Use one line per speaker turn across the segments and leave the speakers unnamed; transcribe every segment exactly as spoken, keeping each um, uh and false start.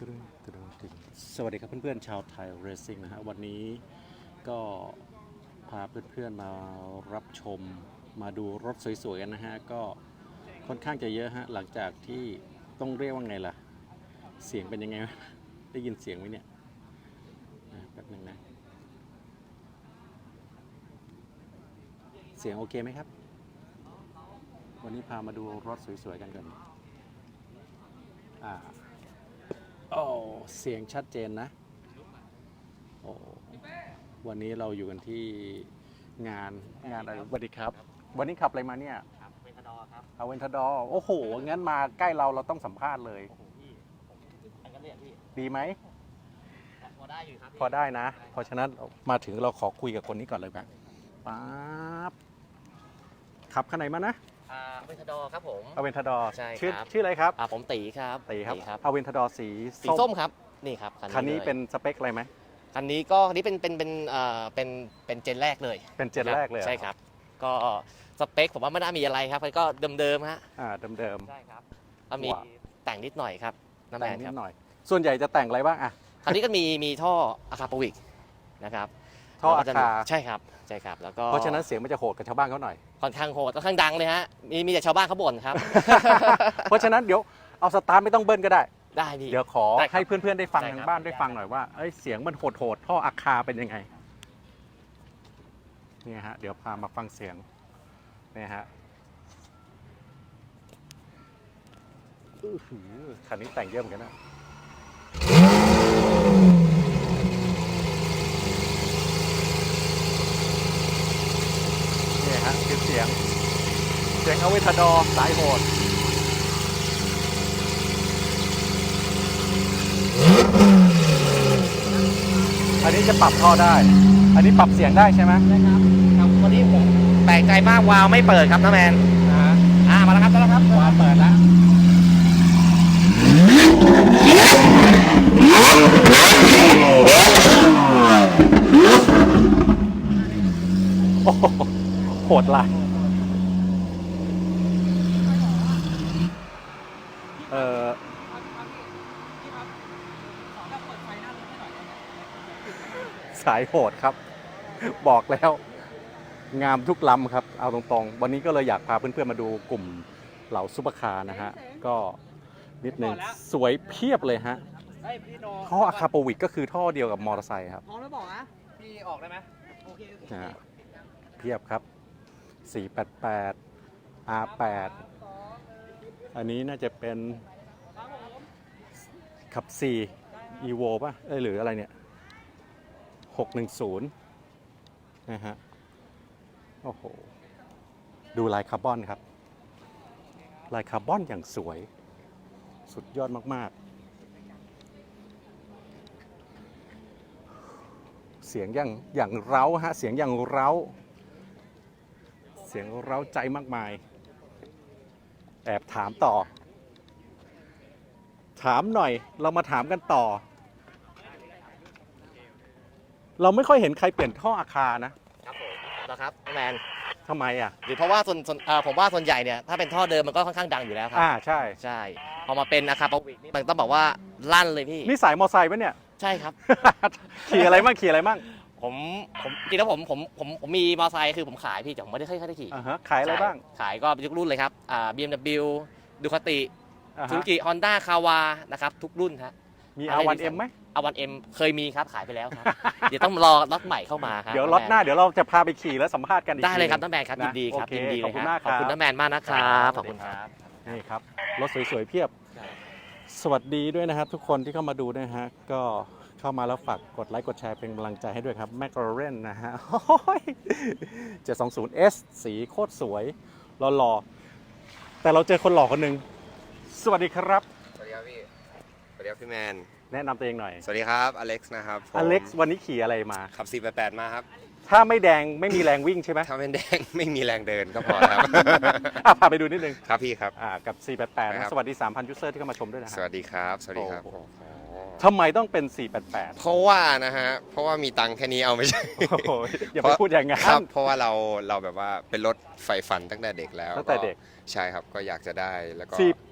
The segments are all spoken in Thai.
สวัสดีครับเพื่อนๆชาวไทยเรซซิ่งนะฮะวันนี้ก็พาเพื่อนๆมารับชมมาดูรถสวยๆกันนะฮะก็ค่อนข้างจะเยอะฮะหลังจากที่ต้องเรียกว่าไงล่ะเสียงเป็นยังไงได้ยินเสียงไหมเนี่ยแป๊บนึงนะเสียงโอเคไหมครับวันนี้พามาดูรถสวยๆกันกันอ่าโอ้เสียงชัดเจนนะโอ้วันนี้เราอยู่กันที่งานงานอะไรสวัสดีครับวันนี้ขับอะไรมาเนี่ย
เวนทาดอครับ
เอาเวนทาดอโอ้โหงั้นมาใกล้เราเราต้องสัมภาษณ์เลย
โอ้โหพี่ไปกันเลยพี่
ดีไหม
พอได้อยู่ครับ
พอได้นะเพราะฉะนั้นมาถึงเราขอคุยกับคนนี้ก่อนเลยแบบป๊าบขับคันไหนมานะ
เวนทาดอครับผม
เอาเวนทาดอ
ใช่
ชื่อ
ครับ
ชื่ออะไรครับ
ผมตีครับ
ตีครับเอาเวนทาดอสี
สีส้มครับนี่ครับ
คันนี้เป็นสเปคอะไรไหม
คันนี้ก็คันนี้เป็นเป็นเป็นเอ่อเป็นเป็นเจนแรกเลย
เป็นเจนแรกเลย
ใช่ครับก็สเปคผมว่าไม่น่ามีอะไรครับก็เดิมๆฮะ
อ่าเดิม
ๆใช่ครับก็มีแต่งนิดหน่อยครับน้ำแมน
นิ
ด
หน่อยส่วนใหญ่จะแต่งอะไรบ้างอ่ะ
คันนี้ก็มีมีท่ออะคาปวิกนะครับ
ท่ออะคา
ใช่ครับใช่ครับแล้วก็
เพราะฉะนั้นเสียงมันจะโหดกับชาวบ้านเขาหน่อย
ค่อนข้างโหดค่อนข้างดังเลยฮะมีมีแต่ชาวบ้านเขาบ่นครับ
เพราะฉะนั้นเดี๋ยวเอาสตาร์ทไม่ต้องเบิ้ลก็ได้
ได้พี่
เดี๋ยวขอให้เพื่อนๆได้ฟังทางบ้านได้ฟังหน่อยว่าเอ้ยเสียงมันโหดๆท่ออะคาเป็นยังไงนี่ฮะเดี๋ยวพามาฟังเสียงนี่ฮะอื้อหือคันนี้แต่งเยอะเหมือนกันนะนี่ฮะคือเสียงเสียงเอาเวทาดอสายโหดอันนี้จะปรับท่อได้ อันนี้ปรับเสียงได้ใช่ไหม
ใช่ครับครับวันนี้ผมแปลกใจมากวาล์วไม่เปิดครับน้าแมนอ่ามาแล้วครับมาแล้วครับ
วาล์วเปิดแล้วโอ้โหโหดลายเออสายโหดครับบอกแล้วงามทุกลำครับเอาตรงๆวันนี้ก็เลยอยากพาเพื่อนๆมาดูกลุ่มเหล่าซุปเปอร์คาร์นะฮะก็นิดนึงสวยเพียบเลยฮะท่ออะคาโปวิกก็คือท่อเดียวกับมอเตอร์ไซค์ครับ
พร้อมแล้วบอกนะพี่ออกได้ไหมโอเค
นะฮะเพียบครับสี่แปดแปด อาร์ แปด อันนี้น่าจะเป็นขับสี่ Evo ป่ะเอ้ยหรืออะไรเนี่ยหกหนึ่งศูนย์นะฮะโอ้โหดูลายคาร์บอนครับลายคาร์บอนอย่างสวยสุดยอดมากๆเสียงอย่างอย่างเร้าฮะเสียงอย่างเร้าเสียงเร้าใจมากมายแอบถามต่อถามหน่อยเรามาถามกันต่อเราไม่ค่อยเห็นใครเปลี่ยนท่ออาคารนะครับ
ผมนะครับแมน
ทำไมอ่ะ
หรือเพราะว่าส่วนส่วนผมว่าส่วนใหญ่เนี่ยถ้าเป็นท่อเดิมมันก็ค่อนข้างดังอยู่แล้วครั
อ่าใช่
ใช่พอมาเป็นอะคาปวิกนี่มันต้องบอกว่าลั่นเลยพี่
นี่สายมอไซค์ปะเนี่ย
ใช่ครับ
ขี่อะไรมั่งขี่อะไรมั่ง
ผมผมจริงแล้วผมผมผมผมมีมอเตอร์ไซค์คือผมขายพี่แต่ผมไม่ได้ค่อยได้ขี่
อ่าฮะขายอะไรบ้าง
ขายก็ทุกรุ่นเลยครับอ่า บี เอ็ม ดับเบิลยู ดูคาติซูซูกิฮอนด้าคาวานะครับทุกรุ่นฮะ
มี อาร์ วัน เอ็ม ไหม
อาร์ วัน เอ็ม เคยมีครับขายไปแล้วครับ เดี๋ยวต้องรอล็อตใหม่เข้ามาครับ
เดี๋ยวล็อตหน้าเดี๋ยวเราจะพาไปขี่แล้วสัมภาษณ์กันอีก
ได้เลยครับน้าแมนครับยินดีครับยินดีเลยครับขอบคุณน้าแมนมากนะครับขอบคุณครับ
นี่ครับรถสวยๆเพียบสวัสดีด้วยนะครับทุกคนที่เข้ามาดูนะฮะก็เข้ามาแล้วฝากกดไลค์กดแชร์เป็นกำลังใจให้ด้วยครับแมคลาเรนนะฮะเจ็ดสองศูนย์ เอส สีโคตรสวยหล่อๆแต่เราเจอคนหล่อคนหนึ่งสวัสดีครับ
สวัสดีครับพี่สวัสดีครับพี่แมน
แนะนำตัวเองหน่อย
สวัสดีครับอเล็กซ์นะครับ
อเล็กซ์วันนี้ขี่อะไรมา
ขับสี่แปดแปดมาครับ
ถ้าไม่แดงไม่มีแรงวิ่งใช่ไหม
ถ้าไม่แดงไม่มีแรงเดินก็พอครับ
พาไปดูนิดนึง
ครับพี่ครับ
กับสี่แปดแปดนะสวัสดี สามพัน ยูเซอร์ที่เข้ามาชมด้วยนะ
สวัสดีครับสวัสดีครับ
ทำไมต้องเป็นสี่แปดแปด
เพราะว่านะฮะเพราะว่ามีตังค์แค่นี้เอาไม่ใช่
อย่าไปพูดอย่างนั้น
ครับเพราะว่าเราเราแบบว่าเป็นรถไฟฟันตั้งแต่เด็กแล้ว
ตั้งแต่เด็ก
ใช่ครับก็อยากจะได้แล้วก็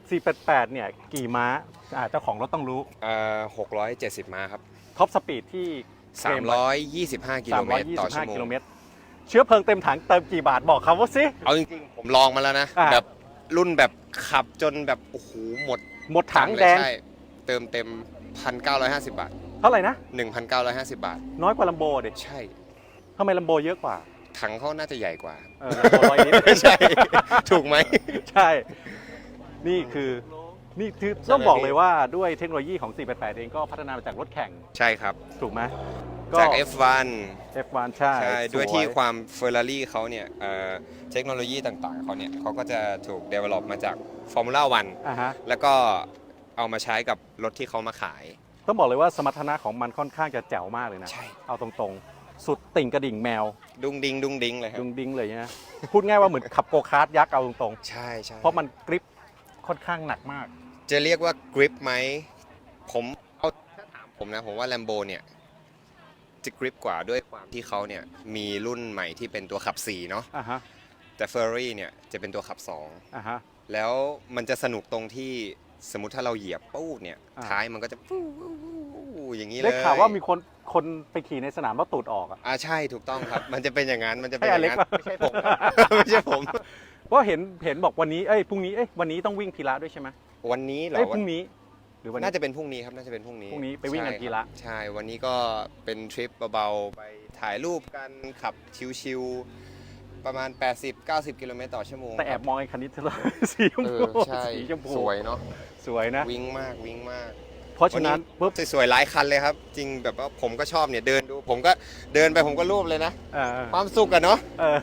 สี่แปดแปดเนี่ยกี่ม้าอ่าเจ้าของรถต้องรู้
เอ่อหกร้อยเจ็ดสิบม้าครับ
ท็อปสปีดที่
สามร้อยยี่สิบห้ากิโลเมตรต่อชั่วโมง
กิโลเมตรเชื้อเพลิงเต็มถังเติมกี่บาทบอกเขาว่าสิ
เอาจริงๆ ผมลองมาแล้วนะ
อ่า
แบบรุ่นแบบขับจนแบบโอ้โหหมด
หมดถัง
เลย
แดง
ใช่เติมเต็ม หนึ่งพันเก้าร้อยห้าสิบ บาท
เท่าไหร่นะ
หนึ่งพันเก้าร้อยห้าสิบ บาท
น้อยกว่าลัมโบดิ
ใช่
ทำไมลัมโบเยอะกว่า
ถังเขาน่าจะใหญ่กว่า
เออลัมโบร้อยนิด
ใช่ ถูกไหม
ใช่ นี่คือนี่คือต้องบอกเลยว่าด้วยเทคโนโลยีของ สี่แปดแปด เองก็พัฒนามาจากรถแข่ง
ใช่ครับ
ถูกไหม
จาก เอฟ วัน
เอฟ วัน ใช่
ใช่
ส
ด้วยที่ความเฟอร์รารี่เขาเนี่ยเอ่อเทคโนโลยีต่างๆเขาเนี่ยเขาก็จะถูก develop มาจาก Formula วัน
อ่าฮะ
แล้วก็เอามาใช้กับรถที่เขามาขาย
ต้องบอกเลยว่าสมรรถนะของมันค่อนข้างจะแจ๋วมากเลยนะ
ใช่
เอาตรงๆ สุดติ่งกระดิ่งแมว
ดุงดิงดุงดิงเลยครั
ดุ
บ
งดิ้งเลยนะ พูดง่ายว่าเหมือนขับโกคาร์ทยักษ์เอาตรง
ใช่ใช่
ๆ เพราะมันกริปค่อนข้างหนักมาก
จะเรียกว่ากริปไหมผมเอาถ้าถามผมนะ ผมว่า Lambo เนี่ยจะกริปกว่าด้วยความที่เขาเนี่ยมีรุ่นใหม่ที่เป็นตัวขับสี่เนาะ
อ่าฮะ
แต่ Ferrari เนี่ยจะเป็นตัวขับสอง
อ่าฮะ
แล้วมันจะสนุกตรงที่สมมติถ้าเราเหยียบปู้เนี่ย
อ่า
ท้ายมันก็จะปู้อย่างนี้เลย
ได้ข่าวว่ามีคนคนไปขี่ในสนามแล้วตูดออกอ่ะ
อ่าใช่ถูกต้องครับ มันจะเป็นอย่างนั้นมันจะเป็น
ให้
อ
อย่าง เล็ก
นั้น
ป่ะ
ไม่ใช่ผมครับ ไม่ใช่ผม
เพราะเห็นเห็นบอกวันนี้เอ้ยพรุ่งนี้เอ้ยวันนี้ต้องวิ่งพีระด้วยใช่ไหม
วันนี้เหรอ
เอ้ยพ
วัน
รุ่งนี้ หรือวันนี้
น่าจะเป็นพรุ่งนี้ครับน่าจะเป็นพรุ่งนี้
พรุ่งนี้ไปวิ่งกัน
ใช่
กี
ค
ฬา
รับใช่ วันนี้ก็เป็นทริปเบาๆไปถ่ายรูปกันขับชิวๆประมาณ แปดสิบถึงเก้าสิบ กิโลเมตรต่อชั่วโมง
แต่แอบมองไอ้คันนี้เธอ สีชม
เอ
พู
อใช่
สีชมพู
สวยเนาะ
สวยนะ
วิ่งมากวิ่งมาก
เพราะฉะนั้นปุ๊บ
สวยๆหลายคันเลยครับ จริงแบบว่าผมก็ชอบเนี่ยเดินดู ผมก็เดินไปผมก็รูปเลยนะ
เออ
ความสุขอะเนาะ
เออ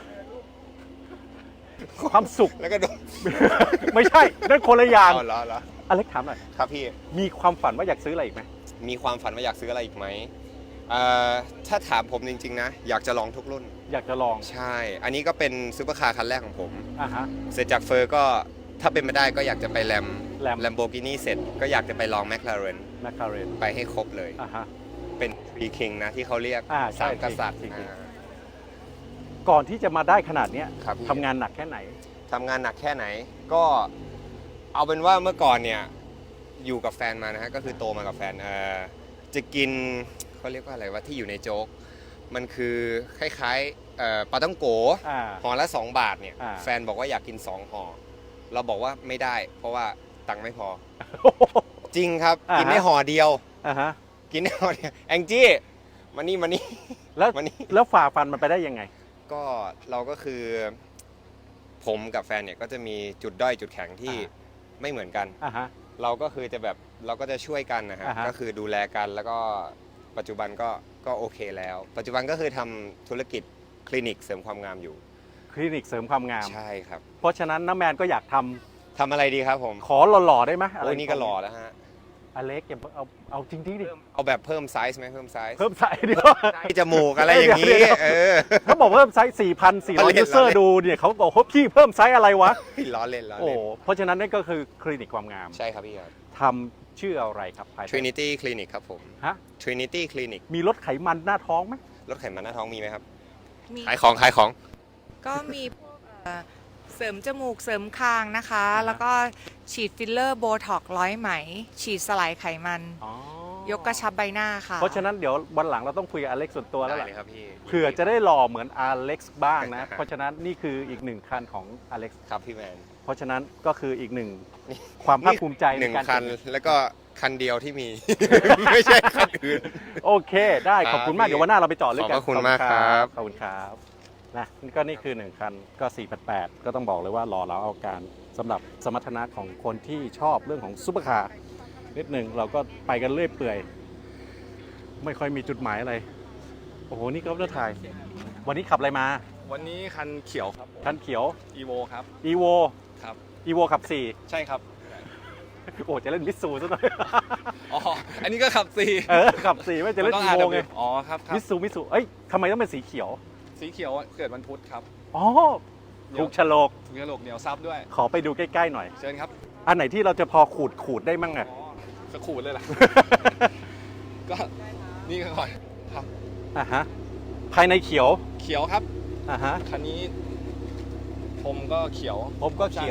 ความสุข
แล้วก็ดู
ไม่ใช่นั่นคนละอย่าง
เอาเหรอเหรอ
อเล็กถามหน่อย
ครับพี่
มีความฝันว่าอยากซื้ออะไรอีกไหม
มีความฝันว่าอยากซื้ออะไรอีกไหมเอ่อถ้าถามผมจริงๆนะ อยากจะลองทุกรุ่น
อยากจะลอง
ใช่ อันนี้ก็เป็นซูเปอร์คาร์คันแรกของผม
อ่ะฮะ
เสร็จจากเฟอร์ก็ถ้าเป็นไม่ได้ก็อยากจะไปแลม
Lam
แลมโบกินีเสร็จก็อยากจะไปลองแมคลาเรน
แมคคาเรน
ไปให้ครบเลย
อ่ะฮะ
เป็นทรีคิงนะที่เขาเรียก
อ่าใช่
สามกษัตริย์
Three King
อ่า
ก่อนที่จะมาได้ขนาดเนี้ย
ครับพี่
ทำงานหนักแค่ไหน
ทำงานหนักแค่ไหนก็เอาเป็นว่าเมื่อก่อนเนี่ยอยู่กับแฟนมานะฮะก็คือโตมากับแฟนเอ่อจะกินเขาเรียกว่าอะไรว่าที่อยู่ในโจ๊กมันคือคล้ายๆเอ่อปลาต้องโก
อ่า
ห่อละสองบาทเนี่ย
อ่า
แฟนบอกว่าอยากกินสองห่อเราบอกว่าไม่ได้ เพราะว่าตังค์ไม่พอ จริงครับ
อ่าฮะ
กินได้ห่อเดียว
อ่ะฮะ
กินได้ห่อเดียวแองจี้มานี่มานี่
แล้ว
วันนี้
แล้วฝ่าฟันมันไปได้ยังไง
ก็เราก็คือผมกับแฟนเนี่ยก็จะมีจุดด้อยจุดแข็งที่
อ่า
ไม่เหมือนกัน
อ่ะฮะ
เราก็คือจะแบบเราก็จะช่วยกันนะฮะ
อ่าฮะ
ก็คือดูแลกันแล้วก็ปัจจุบันก็ก็โอเคแล้ว ปัจจุบันก็คือทำธุรกิจคลินิกเสริมความงามอยู่
คลินิกเสริมความงาม
ใช่ครับ
เพราะฉะนั้นน้าแมนก็อยากทำ
ทำอะไรดีครับผม
ขอหล่อๆได้ไหมะไร
โอ้ยนี่ก็หล่อแล้วฮะ
อเล็กอย่าเอาเอาจริงๆดิ
เอาแบบเพิ่มไซส์ไหมเพิ่มไซส์
เพิ่มไซส์เดียว
ให้จมูกอะไรอย่างนี้
เดี๋ยว
เออ
เขาบอกเพิ่มไซส์ สี่พันสี่ร้อย
ล้อเล่น
ยูเซอ
ล้อ
ร์
เล่น
ดูเนี่ยเขาบอกว่าพี่เพิ่มไซส์อะไรวะ
ล้อเล่นล้อ
โอ้
เล่น
เพราะฉะนั้นนั่นก็คือคลินิกความงาม
ใช่ครับพี่ครับ
ทำชื่ออะไรครับภายใต้
Trinity Clinic ครับผม
ฮะ
Trinity Clinic
มีลดไขมันหน้าท้องไหม
รถไขมันหน้าท้องมีไหมครับ
มี
ขายของขายของ
ก็มีพวกเอ่อเสริมจมูกเสริมคางนะคะ แล้วก็ฉีดฟิลเลอร์โบท็อกซ์ร้อยไหม ฉีดสลายไขมัน
อ๋อ
ยกกระชับใบหน้าค่ะ
เพราะฉะนั้นเดี๋ยววันหลังเราต้องคุยกับอเล็กส่วนตัวแล้ว
ได้
แหละ
เลยครับพี่
เผื่อจะได้หล่อเหมือนอเล็กซ์บ้างนะ เพราะฉะนั้นนี่คืออีกหนึ่งคันของอเล็กซ์
ครับพี่แมน
เพราะฉะนั้นก็คืออีกหนึ่งความภาคภูมิใจ
ห
ใน
นึ่ง
การ
คัน
เก็บ
แล้วก็คันเดียวที่มี ไม่ใช่คันอื่น
โอเค ได้ขอบคุณมาก
ครับ
เดี๋ยววันหน้าเราไปเจอดลึกกัน
ขอบพระคุณมากครับ
ขอบคุณครับนะนี่ก็นี่คือหนึ่งคันก็สี่แปดแปดก็ต้องบอกเลยว่าหล่อเราเอาการสำหรับสมรรถนะของคนที่ชอบเรื่องของซุปเปอร์คาร์นิดหนึ่งเราก็ไปกันเรื่อยเปื่อย ไม่ค่อยมีจุดหมายอะไร โอ้โห นี่ก็เลือกถ่าย วันนี้ขับอะไรมา
วันนี้คันเขียวครับ
คันเขียว
อีโวครับ
e v o
ครับ
e v o ขับสี่
ใช่ครับ
โอ้จะเล่นมิสซูซะหน่อย
อ๋อ อันนี้ก็ขับสี่
เออขับสี่ไม่จะเล่น
ต้อง
e v o ไง
อ๋อครับครับ
มิสซูมิสซูเอ้ยทำไมต้องเป็นสีเขียว
สีเขียวเกิดวันพุธครับ
อ๋อถูกโฉลก
ถุงกระโหลกเหนียวซับด้วย
ขอไปดูใกล้ๆหน่อย
เชิญครับ
อันไหนที่เราจะพอขูดขูดได้มั่งอะ
อ๋อสกขูดเลยล่ะ ก็นี่ก่อนครับ
อ่ะฮะ ภายในเขียว
เขียวครับ
อ่ะฮะ
คันนี้ผมก็เขียว
ผมก็เขียว
ค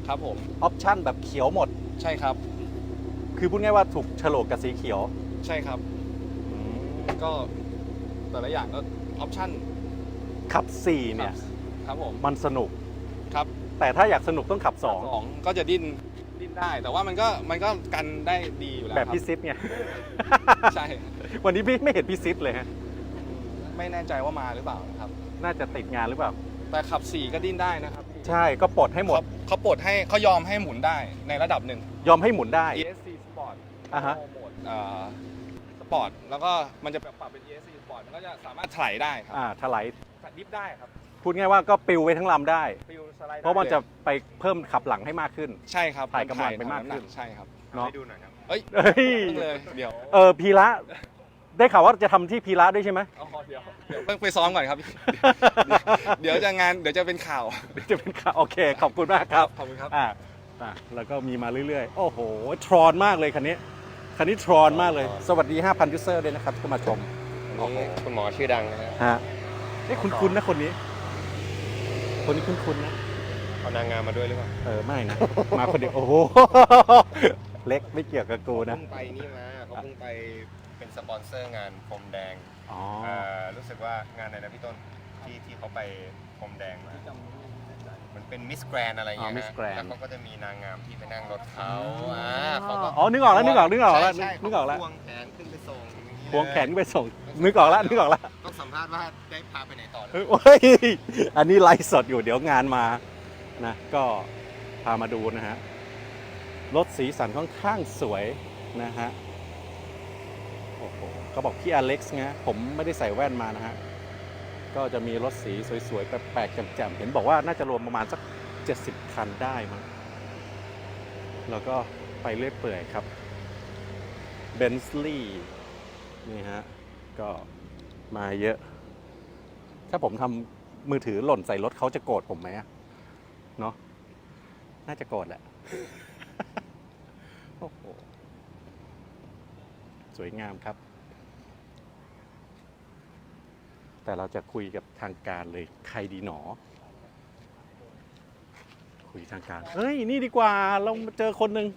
ครับผม
ออปชั่นแบบเขียวหมด
ใช่ครับ
คือพูดง่ายว่าถูกโฉลกกับสีเขียว
ใช่ครับก็แต่ละอย่างก็ออปชั่น
ขับสี่เนี่ย
ครับผม
มันสนุก
ครับ
แต่ถ้าอยากสนุกต้องขับสอง
สองก็จะดิ้นดิ้นได้ แต่ว่ามันก็มันก็กันได้ดีอยู่แล้ว
แบบ
ครั
พี่ซิปไง
ใช่
วันนี้พี่ไม่เห็นพี่ซิปเลยฮะ
ไม่แน่ใจว่ามาหรือเปล่านะครับ
น่าจะติดงานหรือเปล่า
แต่ขับสี่ก็ดิ้นได้นะครับ
ใช่ก็ปลดให้หมด
เขาเขาปลดให้เขายอมให้หมุนได้ในระดับหนึ่ง
ยอมให้หมุนได้
อี เอส ซี Sport
อ่าฮะ
โหมดเอ่อสปอร์ตแล้วก็มันจะปรับเป็น อี เอส ซี Sport มันก็จะสามารถถลายได้ครับ
อ่าถลาย
ดิฟได้ครับ
พูดง่ายว่าก็ปิวไว้ทั้งลำได้
ฟิวสไลด์ได้
เพราะมันจะ
ลย
ไปเพิ่มขับหลังให้มากขึ้น
ใช่ครับ
ถ่ายกำลังไปมากขึ้น
ใช่ครับ
เนาะ
ให้ดูหน่อยครับ
เอ้ย
เอ้ย
เพิ่งเลยเดี๋ยว
เออพีระได้ข่าวว่าจะทำที่พีระด้วยใช่ไหม
อ๋อเดี๋ยวเดี๋ยวเพิ่งไปซ้อมก่อนครับ เดี๋ยวจะงานเดี๋ยวจะเป็นข่าว
จะเป็นข่าวโอเค ขอบคุณมากครับ
ขอบคุณครับ
อ่าอ่ะแล้วก็มีมาเรื่อยๆ โอ้โห ทรอนมากเลยคันนี้ คันนี้ทรอนมากเลย สวัสดี ห้าพัน ยูเซอร์ด้วยนะครับที่เข้ามาชม
อันนี้คุณหมอชื่อดังนะฮะ
ฮะนี่คุ้นๆนะคนนี้ คนนี้คุ้นๆนะ
เอานางงามมาด้วยหรือเปล่า
เออ ไม่นะ มาคนเดียว โอ้โห เล็กไม่เกี่ยวกับกูนะ
เพิ่งไปนี่มาเขาเพิ่งไปเป็นสปอนเซอร์งานพรมแดง
อ๋อ
เอ่อรู้สึกว่างานไหนนะพี่ต้นที่ที่เขาไปพรมแดงมามันเป็นมิสแกรนอะไรอย่างเงี้ย
อ๋อ Miss
ฮะ
Grand
แล้วเขาก็จะมีนางงามที่ไปนั่งรถเขาอ่าเขาก็
อ๋อ นึกออกแล้ว นึกออก นึกออกแล้ว
ใช่ใช่
นึกออกแล้ว
ควงแขนขึ้นไปส่งอย่างนี้
ควงแขนไปส่ง นึกออกแล้ว นึกออกแล้ว
ต้องสัมภาษณ์ว่าได้พาไปไหนต่อหรือ
เฮ้ยโอ้ยอันนี้ไลฟ์สดอยู่เดี๋ยวงานมานะก็พามาดูนะฮะ รถสีสันค่อนข้างสวยนะฮะ โอ้โหเขาบอกพี่อเล็กซ์นะผมไม่ได้ใส่แว่นมานะฮะ ก็จะมีรถสีสวยๆ แปลกๆแจ่มๆ เห็นบอกว่าน่าจะรวมประมาณสักเจ็ดสิบคันได้มั้งแล้วก็ไปเรื่อยเปื่อยครับเบนซ์ลีย์นี่ฮะ ก็มาเยอะ ถ้าผมทำมือถือหล่นใส่รถเขาจะโกรธผมไหมอะเนาะน่าจะโกรธแหละ โอ้โห สวยงามครับ แต่เราจะคุยกับทางการเลยใครดีหนอ คุยทางการ เฮ้ย นี่ดีกว่า เรามาเจอคนหนึ่ง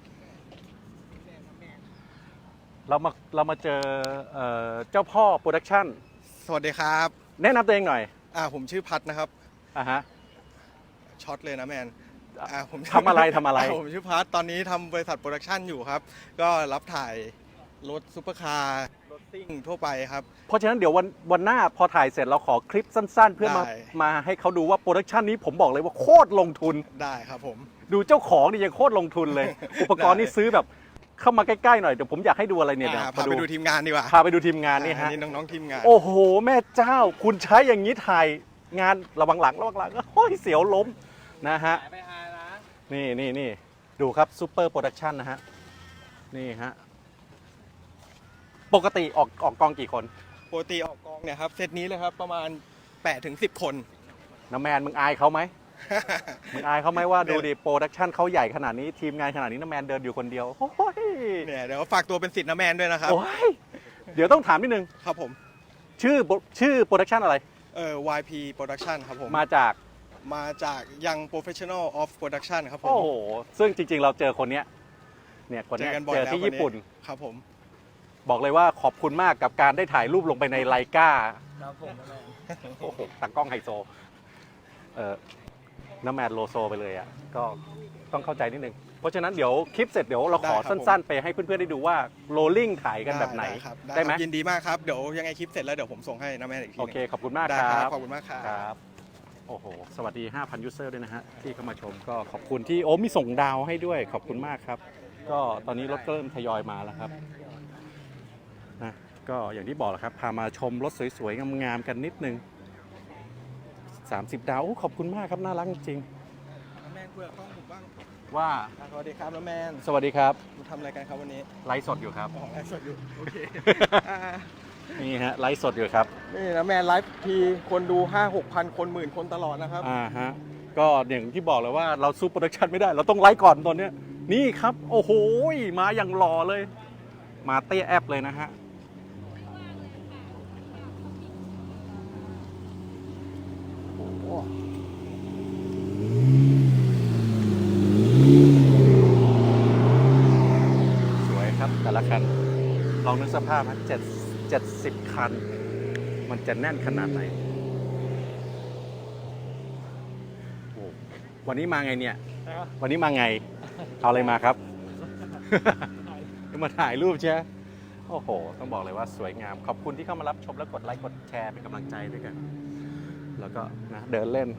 เรามาเรามาเจอเอ่อเจ้าพ่อโปรดักชั่น
สวัสดีครับ
แนะนำตัวเองหน่อย
อ่าผมชื่อพัดนะครับ
อ่ะฮะ
ช็อตเลยนะแมนอ่าผม
ทำอะไรทำอะไร
าผมชื่อพัดตอนนี้ทำบริษัทโปรดักชันอยู่ครับ ก็รับถ่ายรถซุปเปอร์คาร์รถซิ่งทั่วไปครับ
เพราะฉะนั้นเดี๋ยววันวันหน้าพอถ่ายเสร็จเราขอคลิปสั้นๆ เพื่อมา
ได้
มาให้เขาดูว่าโปรดักชันนี้ผมบอกเลยว่าโคตรลงทุน
ได้ครับผม
ดูเจ้าของนี่ยังโคตรลงทุนเลย อุปกรณ์นี่ซื้อแบบเข้ามาใกล้ๆหน่อย เดี๋ยวผมอยากให้ดูอะไรเนี่ย
อ่า
นะ
พาไปดูทีมงานดีกว่า
พาไปดูทีมงานนี่
อ่
ฮะ
นี่น้องๆทีมงาน
โอ้โห แม่เจ้า คุณใช้อย่างนี้ถ่ายงานระวังหลังระวังหลังโอ้ยเสียวล้มนะฮะ
ไปหานะ
นี่นี่นี่ดูครับซูเปอร์โปรดักชันนะฮะ นี่ฮะ ปกติออกออกกองกี่คน
ปกติออกกองเนี่ยครับเซตนี้เลยครับประมาณแปดถึงสิบคน
น้ำแมนมึงอายเขาไหม มึงอายเขาไหมว่าดูดิโปรดักชันเขาใหญ่ขนาดนี้ทีมงานขนาดนี้น้ำแมนเดินอยู่คนเดียว โอ้ย
เนี่ยเดี๋ยวฝากตัวเป็นสิทธิ์นะแมนด้วยนะครับ
โอ้ยเดี๋ยวต้องถามนิดนึง
ครับผม
ชื่อชื่อโปรดักชันอะไร
เอ่อ วาย พี Production ครับผม
มาจาก
มาจาก Young Professional of Production ครับผม
โอ้โห ซึ่งจริงๆ เราเจอคนเนี้ยเนี่ยคน
เจ
เนี้
อย กันบ่อย
เจอ
แล้ว
ที่
คน
ญี่ปุ่น
ครับผม
บอกเลยว่าขอบคุณมากกับการได้ถ่ายรูปลงไปในไลกา
ครับผม
โอ้โหตั้งกล้องไฮโซ เออน้ำแมนโลโซไปเลยอ่ะ ก็ต้องเข้าใจนิดนึง เพราะฉะนั้นเดี๋ยวคลิปเสร็จเดี๋ยวเราขอ
ได้ครับ
สั้นๆ ไปให้เพื่อนๆ ได้ดูว่าโรลลิ่งถ่ายกันแบบไหน
ครับ
ได้ไหม
ครับยินดีมากครับ เดี๋ยวยังไงคลิปเสร็จแล้วเดี๋ยวผมส่งให้นะแม่อีกทีห
โอ
นึ่ง
เค ขอบคุณมาก
ได้
ค
ค
รั
รับ บ ขอบคุณมากครับ
ครับ โอ้โห สวัสดี ห้าพัน ยูเซอร์ด้วยนะฮะ ที่เข้ามาชมก็ขอบคุณที่โอ้มีส่งดาวให้ด้วย ขอบคุณมากครับ ก็ตอนนี้รถก็เริ่มทยอยมาแล้วครับนะก็อย่างที่บอกแหละครับ พามาชมรถสวยๆ งามๆ กันนิดนึง สามสิบ ดาวโอ้ขอบคุณมากครับ น่ารักจริง
น้ำแมนคุยกับกล้องผมบ้าง
ๆว่า
อ่ะสวัสดีครับน้ำแมน
สวัสดีครับ
ทำอะไรกันครับวันนี้
ไลฟ์สดอยู่ครับ
อ๋อไลฟ์สดอยู่ โอเคอ่า
นี่ฮะ ไลฟ์สดอยู่ครับ
นี่น้ำแมนไลฟ์ทีคนดูห้าหกพันคนหมื่นคนตลอดนะครับ
อ่าฮะ ก็อย่างที่บอกเลยว่าเราสู้โปรดักชันไม่ได้ เราต้องไลฟ์ก่อนตอนเนี้ยนี่ครับ โอ้โห มาอย่างหล่อเลย มาเตี้ยแอปเลยนะฮะ โอ้โหองนึกสภาพนะเจ็ดเจ็ดสิบคัน มันจะแน่นขนาดไหนโอ้วันนี้มาไงเนี่ย วันนี้มาไง เอาอะไรมาครับ มาถ่ายรูปใช่ไหมโอ้โห ต้องบอกเลยว่าสวยงาม ขอบคุณที่เข้ามารับชมและกดไลค์กดแชร์เป็นกำลังใจด้วยกัน แล้วก็นะเดินเล่น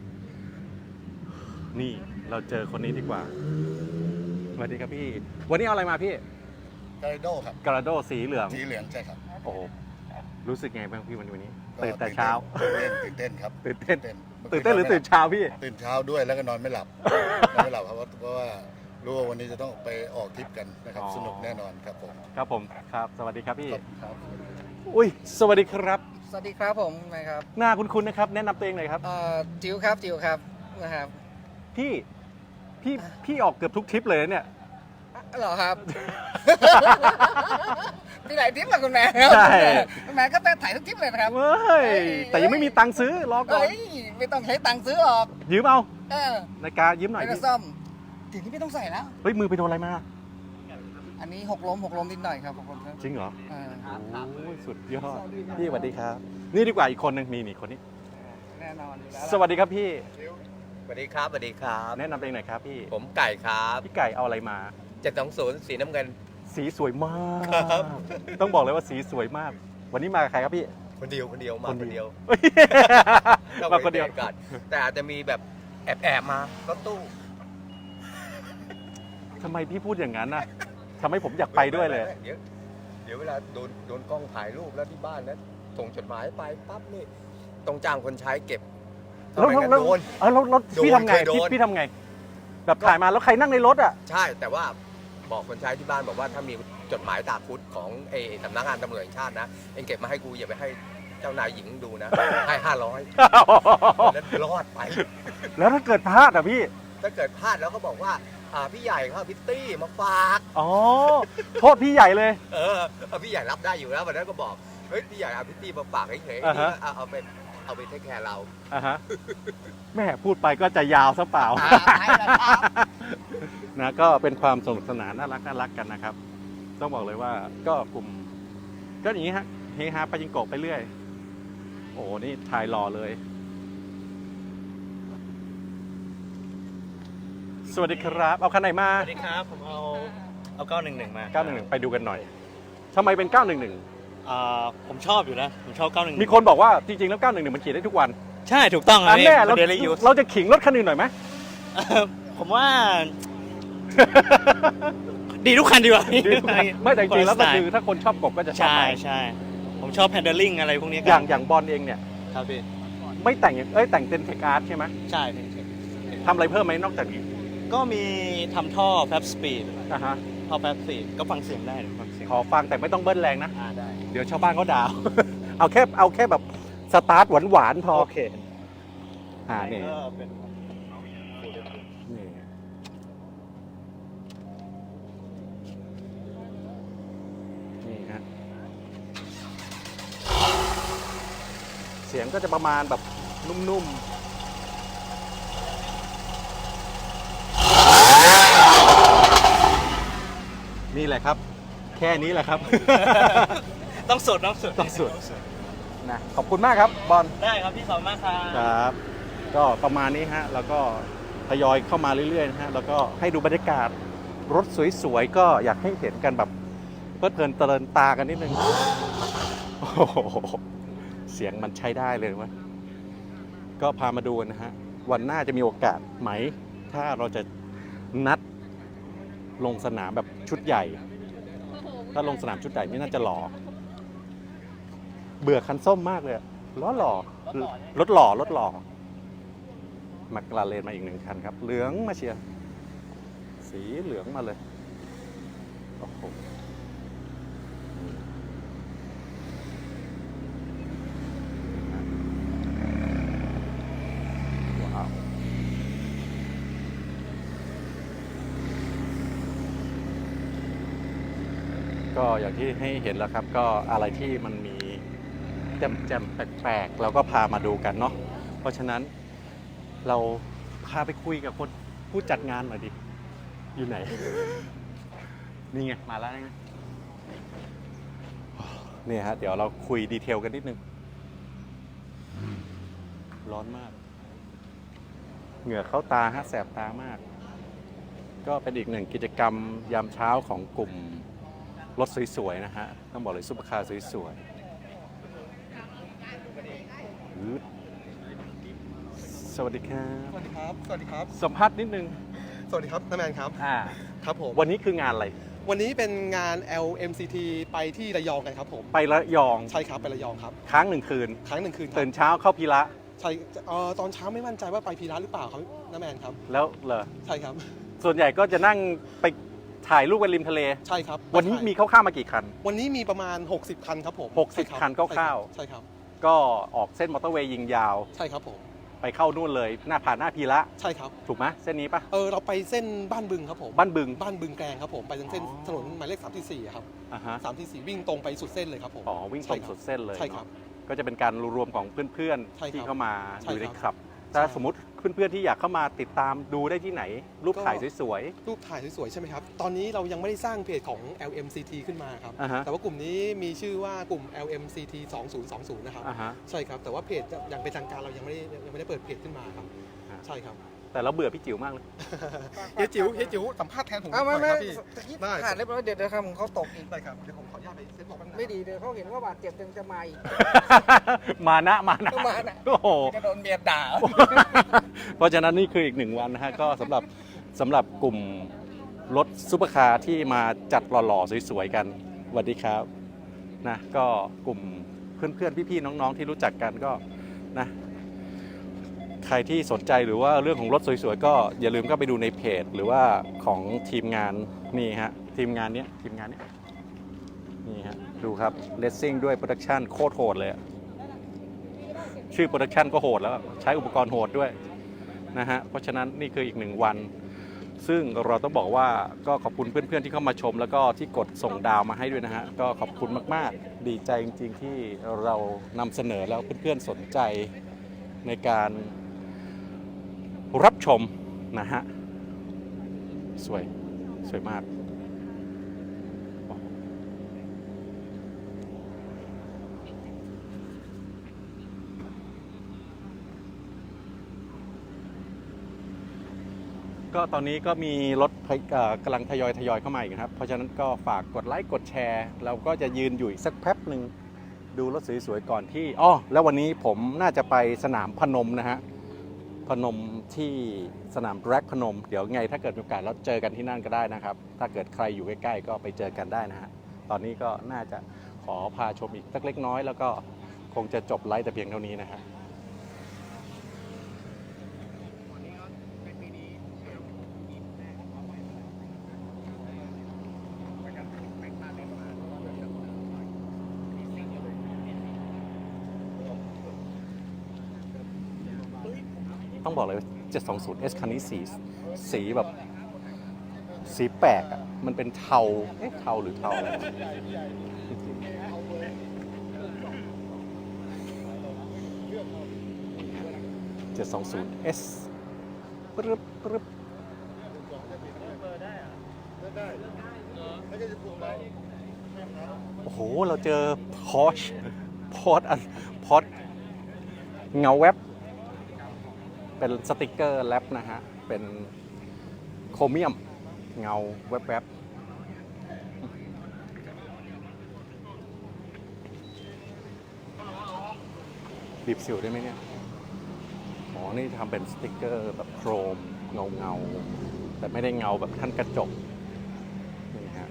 นี่เราเจอคนนี้ดีกว่าสวัสดีครับพี่ วันนี้เอาอะไรมาพี่
กาโดครับ
กระโดสีเหลือง
สีเหลืองใช่ครับ
โอ้โหรู้สึกไงบ้างพี่วันนี้
ก็
ตื่นแต่เช้า
ตื่นเต้นตื่นเต้นครับ
ตื่นเต้น
ตื่น
ตื่นเต้นหรือตื่นเช้าพี่
ตื่นเช้าด้วยแล้วก็นอนไม่หลับ นอนไม่หลับเพราะว่าเพราะว่ารู้ว่าวันนี้จะต้องไปออกทริปกันนะครับ
อ๋อ
สนุกแน่นอนครับผม
ครับผมครับ สวัสดีครับพี่
ครับ
อุ้ยสวัสดีครับ
สวัสดีครับผมนะครับ
หน้าคุ้นๆนะครับ แนะนำตัวเองหน่อยครับ
เอ่อจิ๋วครับจิ๋วครับนะครับ
พี่พี่พี่ออกเกือบทุกทริปเลยนะเนี่ย
อ่ะเหรอครับ มีหลายทริปอะคุณแม่ครับ
ใช่
คุณแม่ก็ถ่ายทุกทริปเลยนะครับ
เว้ยแต่ยังไม่มีตังค์ซื้อรอก่อน
เฮ้ยไม่ต้องใช้ตังค์ซื้อหรอก
ยืมเอา
เออ
นาฬิกายืมหน่อย
ไม่ต้อ
พี่
งซ่อมทีนี้ไม่ต้องใส่แล้ว
เฮ้ยมือไปโดนอะไรมา
อันนี้หกล้มหกล้มนิดหน่อยครับหกล้มครับ
จริงเหรอ
เออ
โอ้ยสุดยอดพี่สวัสดีครับ นี่ดีกว่าอีกคนหนึ่งมีนี่คนนี้
แน่นอนอยู่แล้ว
สวัสดีครับพี่
สวัสดีครับสวัสดีครับ
แนะนำตัวเองหน่อยครับพี่
ผมไก่ครับ
พี่ไก่เอาอะไรมา
เจ็ดสองศูนย์สีน้ำเงิน
สีสวยมาก
ครับ
ต้องบอกเลยว่าสีสวยมาก วันนี้มากับใครครับพี่
คนเดียวคนเดียวมาคนเดียว
เฮ้ย
ต้อง
มาคนเดียว
ไปก่อนแต่อาจจะมีแบบแอบแอบๆมารถตู้
ทำไมพี่พูดอย่างนั้นน่ะทำให้ผมอยากไปด้วยเลย
เดี๋ยวเดี๋ยวเวลาโดนโดนกล้องถ่ายรูปแล้วที่บ้านนะส่งจดหมายไปปั๊บนี่ต้องจ้างคนใช้เก็บ
แล้ว
ทำไมกัน
แล้ว
โดน
เออแล้วแล้ว
โดน
พี่ทำไง
เคยโดน
พี่พี่ทำไง แบบถ่ายมาแล้วใครนั่งในรถอ่ะ
ใช่แต่ว่าบอกคนใช้ที่บ้านบอกว่าถ้ามีจดหมายตาคุดของเอสำนักงานตำรวจแห่งชาตินะเองเก็บมาให้กูอย่าไปให้เจ้านายหญิงดูนะให้ห้าร้อยแล้วรอดไป
แล้วถ้าเกิดพลาดอ่ะพี่
ถ้าเกิดพลาดแล้วก็บอกว่าอ่าพี่ใหญ่ครับพิตตี้มาฝาก
อ๋อ โทษพี่ใหญ่เลย
เออเอาพี่ใหญ่รับได้อยู่แล้ววันนั้นก็บอกเฮ้ยพี่ใหญ่เอาพิตตี้มาฝากเฉยๆ
อ่า
นี่
ฮะ
ก็เอาเอาไปเอาไปเทคแคร์เรา
อ่ะฮะแม่พูดไปก็จะยาวซะเปล่า
อ่าใช่แล้วครับ
นะก็เป็นความสนุกสนานน่ารักน่ารักกันนะครับ ต้องบอกเลยว่าก็กลุ่มก็อย่างนี้ฮะเฮฮาปาจิงโกะไปเรื่อย โอ้โหนี่ถ่ายหล่อเลย สวัสดีครับ เอาคันไหนมา
สวัสดีครับ ผมเอาเอาเก้าหนึ่งหนึ่งมา
เก้าหนึ่งหนึ่งไปดูกันหน่อยทำไมเป็นเก้าหนึ่งหนึ่ง
อ่าผมชอบอยู่นะ ผมชอบเก้าหนึ่ง
มีคนบอกว่าจริงๆแล้วเก้าหนึ่งหนึ่งมันขี่ได้ทุกวัน
ใช่ถูกต้อง
อันแน่
เรา
เรา
เดลี่ยูส
เราจะขิงรถคันอื่นหน่อยไหม
ผมว่า ดีทุกคันดีกว่า
ไม่แต่จริงๆแล้วก็คือ
สไต
ถ้าคนชอบกบก็จะชอบ
ใช่
ไป
ใช่ผมชอบ handling อะไรพวกนี้
อย่างอย่างบอลเองเนี่ย
ครับพี่
ไม่แต่งอย่างเอ้ยแต่งเป็นเทคอาร์ตใช่ไหม
ใช่พี่
ทำอะไรเพิ่มไหมนอกจากนี้
ก็มีทำท่อแฟบสปีด
อ่ะฮะ
ท่อแฟบสปีดก็ฟังเสียงได้ฟังเสียง
ขอฟังแต่ไม่ต้องเบิ้ลแรงนะ
อ่าได้
เดี๋ยวชาวบ้านเขาด่า เอาแค่เอาแค่แบบสตาร์ทหวานๆพอ
โอเค
อ่านี่
ก็เป็น
นี่นี่ฮะเสียงก็จะประมาณแบบนุ่มๆ นี่แหละครับ แค่นี้แหละครับ
ต้องสดต้องสด
ต้องสด นะขอบคุณมากครับบอล
ได้ครับพี่ขอบคุณมากครับ
ครับ ก็ประมาณนี้ฮะ แล้วก็ทยอยเข้ามาเรื่อยๆนะฮะ แล้วก็ให้ดูบรรยากาศรถสวยๆ ก็อยากให้เห็นกันแบบเพลิดเพลินเตลินตากันนิดนึง โอ้โหเสียงมันใช้ได้เลยวะก็พามาดูนะฮะ วันหน้าจะมีโอกาสไหม ถ้าเราจะนัดลงสนามแบบชุดใหญ่ ถ้าลงสนามชุดใหญ่นี่น่าจะหล่อ เบื่อคันส้มมากเลยอะล้อหล่อรถหล่อรถหล่อมักลาเรนมาอีกหนึ่งคันครับ เหลืองมาเชียร์สีเหลืองมาเลยโอ้โหว้าวก็อย่างที่ให้เห็นแล้วครับ ก็อะไรที่มันมีแจ่มๆแปลกๆเราก็พามาดูกันเนาะเพราะฉะนั้นเราพาไปคุยกับคนผู้จัดงานหน่อยดิ อยู่ไหน นี่ไง มาแล้วไงเนี่ยฮะเดี๋ยวเราคุยดีเทลกันนิดนึงร้อนมาก เหงื่อเข้าตาฮะแสบตามาก ก็เป็นอีกหนึ่งกิจกรรมยามเช้าของกลุ่มรถสวยๆนะฮะต้องบอกเลยซุปเปอร์คาร์สวยๆอืดสวัสดีครับ
สวัสดีครับ สวัสดีครับ
สัมภาษณ์นิดนึง
สวัสดีครับน้าแมนครับ
อ่า
ครับผม
วันนี้คืองานอะไร
วันนี้เป็นงาน แอล เอ็ม ซี ที ไปที่ระยองกันครับผม
ไประยอง
ใช่ครับไประยองครับ
ค้างหนึ่งคืน
ครั้งหนึ่งคืนครั
ตื่นเช้าเข้าพีระ
ใช่เอ่อตอนเช้าไม่มั่นใจว่าไปพีระหรือเปล่าครับน้าแมนครับ
แล้วเหรอ
ใช่ครับ
ส่วนใหญ่ก็จะนั่งไปถ่ายรูปกันริมทะเล
ใช่ครับ
วันนี้มีคร่าวๆมากี่คัน
วันนี้มีประมาณ หกสิบ คันครับผม
หกสิบ
ใช่รับ
คันคร่าวๆ
ใช่ครับ
ก็ออกเส้นมอเตอร์เวย์ยิงยาว
ใช่ครับผม
ไปเข้านู่นเลย หน้าผ่านหน้าพีระ
ใช่ครับ
ถูกไหมเส้นนี้ปะ
เออเราไปเส้นบ้านบึงครับผม
บ้านบึง
บ้านบึงแกลงครับผม ไปทางเส้นถนนหมายเลขสามที่สี่ครับ
อ่าฮะ
สามที่สี่วิ่งตรงไปสุดเส้นเลยครับผม
อ๋อวิ่งตรงสุดเส้นเลย
ใช่ครับ
เนอะก็จะเป็นการรวมของเพื่อน
ใช่ครับ
ๆที่เข้ามา
ใช่
อยู่ใน
ครับ
คลับถ้า
ใช่
สมมติเพื่อนๆที่อยากเข้ามาติดตามดูได้ที่ไหน รูป
ก็
ถ่ายสวย
รูปถ่ายสวยๆใช่ไหมครับ ตอนนี้เรายังไม่ได้สร้างเพจของ แอล เอ็ม ซี ที ขึ้นมาครับ
อ่าฮะ
แต่ว่ากลุ่มนี้มีชื่อว่ากลุ่ม แอล เอ็ม ซี ที สองศูนย์สองศูนย์นะครับ
ๆอ่าฮะ
ใช่ครับ แต่ว่าเพจยังเป็นทางการเรายังไม่ได้ยังไม่ได้เปิดเพจขึ้นมาครับ
อ่า
ใช่ครับ
แต่เราเบื่อพี่จิ๋วมากเลย
เฮียจิ๋วเฮียจิ๋วสัมภาษณ์แทนผม
เอาไม่
หน่
ไม่
อยครับพี่
ตะกี้
ได้
ขาดเรียบร้อยเดี๋ยวเดี๋ยวครับผมเขาตกอีก
ได้ครับ เดี๋ยวผมขออนุญาตไปเซ็ตบอกแป๊บนึงนะ
ไม่ดีเดี๋ยวเขาเห็นว่าบาดเจ็บยังจะมาอีก
มานะมานะ
มานะ
โอ้โห
จะโดนเมียด่า
เพราะฉะนั้นนี่คืออีกหนึ่งวันนะฮะก็สำหรับสำหรับกลุ่มรถซุปเปอร์คาร์ที่มาจัดหล่อๆสวยๆกันสวัสดีครับนะก็กลุ่มเพื่อนๆพี่ๆน้องๆที่รู้จักกันก็นะใครที่สนใจหรือว่าเรื่องของรถสวยๆก็อย่าลืมก็ไปดูในเพจ หรือว่าของทีมงานนี่ฮะทีมงานเนี้ยทีมงานเนี้ยนี่ฮะดูครับเลสซิ่งด้วยโปรดักชันโคตรโหดเลยอะชื่อโปรดักชันก็โหดแล้วใช้อุปกรณ์โหดด้วยนะฮะเพราะฉะนั้นนี่คืออีกหนึ่งวัน ซึ่งเราต้องบอกว่าก็ขอบคุณเพื่อนๆที่เข้ามาชม แล้วก็ที่กดส่งดาวมาให้ด้วยนะฮะก็ขอบคุณมากๆดีใจจริงๆที่เรานำเสนอแล้วเพื่อนๆสนใจในการรับชมนะฮะสวยสวยมากก็ตอนนี้ก็มีรถเอ่อกำลังทยอยทยอยเข้ามาอีกครับเพราะฉะนั้นก็ฝากกดไลค์กดแชร์เราก็จะยืนอยู่อีกสักแป๊บหนึ่งดูรถสวยๆก่อนที่อ้อแล้ววันนี้ผมน่าจะไปสนามพนมนะฮะพนมที่สนามแร็กพนมเดี๋ยวไงถ้าเกิดมีโอกาสเราเจอกันที่นั่นก็ได้นะครับถ้าเกิดใครอยู่ใกล้ๆก็ไปเจอกันได้นะฮะตอนนี้ก็น่าจะขอพาชมอีกสักเล็กน้อยแล้วก็คงจะจบไลฟ์แต่เพียงเท่านี้นะฮะต้องบอกเลยเจ็ดสองศูนย์ เอส คันนี้สีสีแบบสีแปลกอ่ะมันเป็นเทาเอ๊ะเทาหรือเทาอะไรเจ็ดสองศูนย์ เอส ปึ๊บปึ๊บโอ้โหเราเจอพอชพอดอันพอดเงาแว็บเป็นสติกเกอร์แรปนะฮะ เป็นโครเมียมเงาแวบๆบีบสิวได้ไหมเนี่ยอ๋อนี่ทำเป็นสติกเกอร์แบบโครมเงาเงาๆแต่ไม่ได้เงาแบบท่านกระจกนี่ฮะ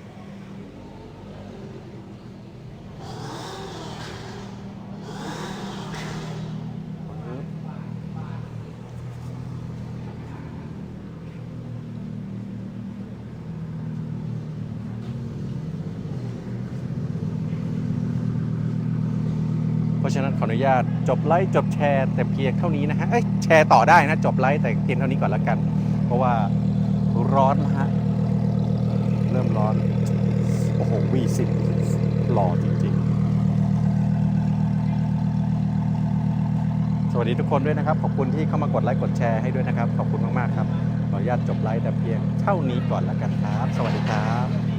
เพราะฉะนั้นขออนุญาตจบไลฟ์จบแชร์แต่เพียงเท่านี้นะฮะเอ้ยแชร์ต่อได้นะจบไลฟ์แต่เพียงเท่านี้ก่อนละกัน เพราะว่าร้อนนะฮะเริ่มร้อนโอ้โห วี สิบ หล่อจริงๆสวัสดีทุกคนด้วยนะครับขอบคุณที่เข้ามากดไลค์กดแชร์ให้ด้วยนะครับขอบคุณมากๆครับขออนุญาตจบไลฟ์แต่เพียงเท่านี้ก่อนละกันครับสวัสดีครับ